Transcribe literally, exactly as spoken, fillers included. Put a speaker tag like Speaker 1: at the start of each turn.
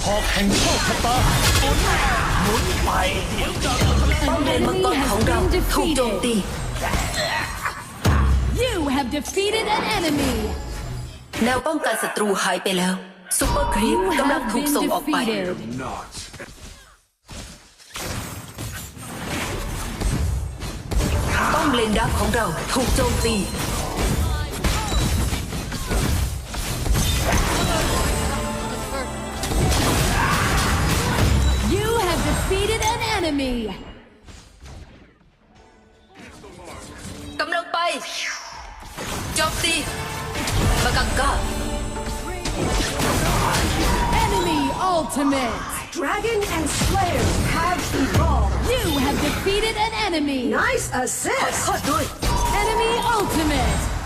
Speaker 1: อกแห่งโชคชะตาหมุนไปเดี๋ยวจะ
Speaker 2: ป้อมเลนมังกรของเราถูกโจมตี
Speaker 3: You have defeated an enemy.
Speaker 2: แนวป้องกันศัตรูหายไปแล้วซุปเปอร์ครีป
Speaker 3: You
Speaker 2: กำลัง
Speaker 3: have
Speaker 2: ถูก
Speaker 3: been
Speaker 2: ส่งออกไป
Speaker 3: defeated.
Speaker 1: not
Speaker 2: ป้อมเลนดักของเราถูกโจมตี
Speaker 3: You have defeated an enemy.
Speaker 2: กำลังไปโจมตีปะกังกา
Speaker 3: Enemy ultimate.
Speaker 4: Dragon and Slayer have evolved.
Speaker 3: You have defeated an enemy.
Speaker 4: Nice
Speaker 2: ขอ
Speaker 4: assist.
Speaker 2: โทษด้วย
Speaker 3: Enemy ultimate.